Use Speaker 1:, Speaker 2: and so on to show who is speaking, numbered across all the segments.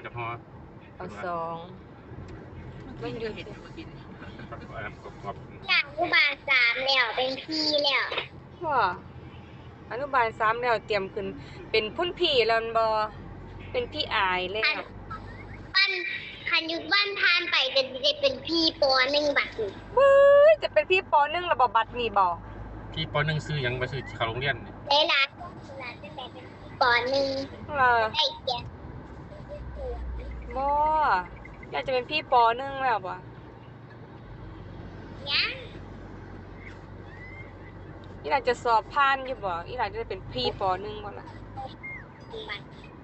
Speaker 1: จะพอ
Speaker 2: เอาสองมันอยู่ที่
Speaker 3: จากอนุบาลสามแล้วเป็นพี่แล้ว
Speaker 2: ว่าอนุบาลสามแล้วเตรียมขึ้นเป็นพุ่นพี่แล้วบ่เป็นพี่อายแล้ว
Speaker 3: ปั้นคันยุดบ้านทานไปจะเป็นพี่ปอหนึ่งบัตร
Speaker 2: เฮ้ยจะเป็นพี่ปอนึงแล้วบ่บัดนี้บ่
Speaker 1: พี่ป .1 ซื้อยังไปซื้อเข้าโรงเรียน
Speaker 3: ในร้านจะแต่เป็นพี่ปอหนึ่ง
Speaker 2: เออ
Speaker 3: ได้เกียรติ
Speaker 2: บ่อยากจะเป็นพี่ปอนึงแล้วบ่
Speaker 3: ยัง
Speaker 2: อีหลาจะสอบผ่านอยู่บ่อีหลาจะได้เป็นพี่ปนึงบ่ล่ะ
Speaker 3: บัตร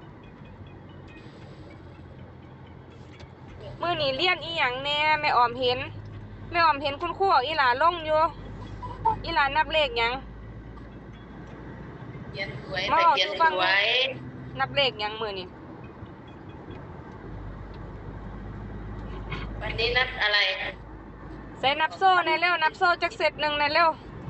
Speaker 2: มื้อนี้เรียนอีหยังแน่แม่ออมเห็นแม่ออมเห็นคุณครูเอาอีหลาลงอยู่อีหลานับเลขหยัง
Speaker 4: เขียนสวยแต่เขียนสวย
Speaker 2: นับเลขหยังมื้อนี้
Speaker 4: วันนี้นัดอะไร
Speaker 2: ใส่นับโซ่ในเร็วนับโซ่จักเซตหนึงในเร็ว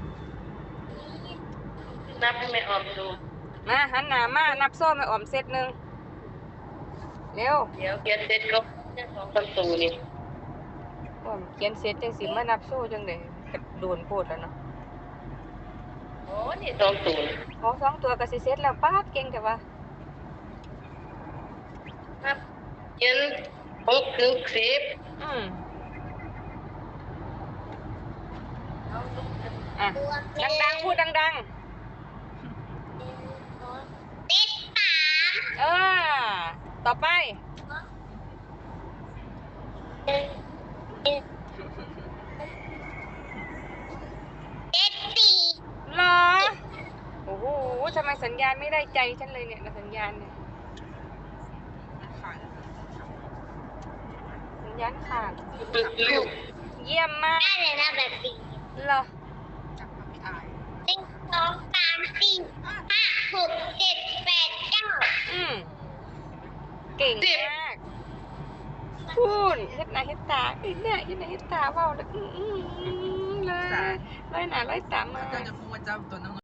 Speaker 4: นับให้แม่ออมดู
Speaker 2: มาหันหน้ามานับโซ่แม่ออมเซตหนึงเร็ว
Speaker 4: เดี๋ยวเขียนเสร็จก็จะสองประตูนี่
Speaker 2: ออมเขียนเสร็จจังสิมานับโซ่จังได๋ก็โดนโพดแล้วเนาะ
Speaker 4: โอ้นี่สองศูนย์
Speaker 2: ขอสองตัวก็สิเสร็จแล้วป๊าดเก่งแต่ว่า
Speaker 4: นับเขียน6 ถึง 10
Speaker 2: อืมอ่ะ
Speaker 3: ตัวเป็น
Speaker 2: ดังๆพูดดัง
Speaker 3: เลขสาม
Speaker 2: ๆต่อไป
Speaker 3: เลขสี่
Speaker 2: เหรอโอ้โหทำไมสัญญาณไม่ได้ใจฉันเลยเนี่ยสัญญาณเนี่ยสัญญาณขาด
Speaker 4: ตึกลิ้ว
Speaker 2: เยี่ยมมาก
Speaker 3: ได้เลยนะแบบสี่
Speaker 2: เหรอ
Speaker 3: หนึ่งสองสามสี่ห้าหกเจ็ดแปดเก้า
Speaker 2: อืมเก่งมากพูดเฮ็ดหน้าเฮ็ดตาเฮ็ดหน้าเฮ็ดตาเว้าแล้วเลยหน้าร้อยตามา
Speaker 5: ก็จะพูดว่าเจ้าตัวน้อง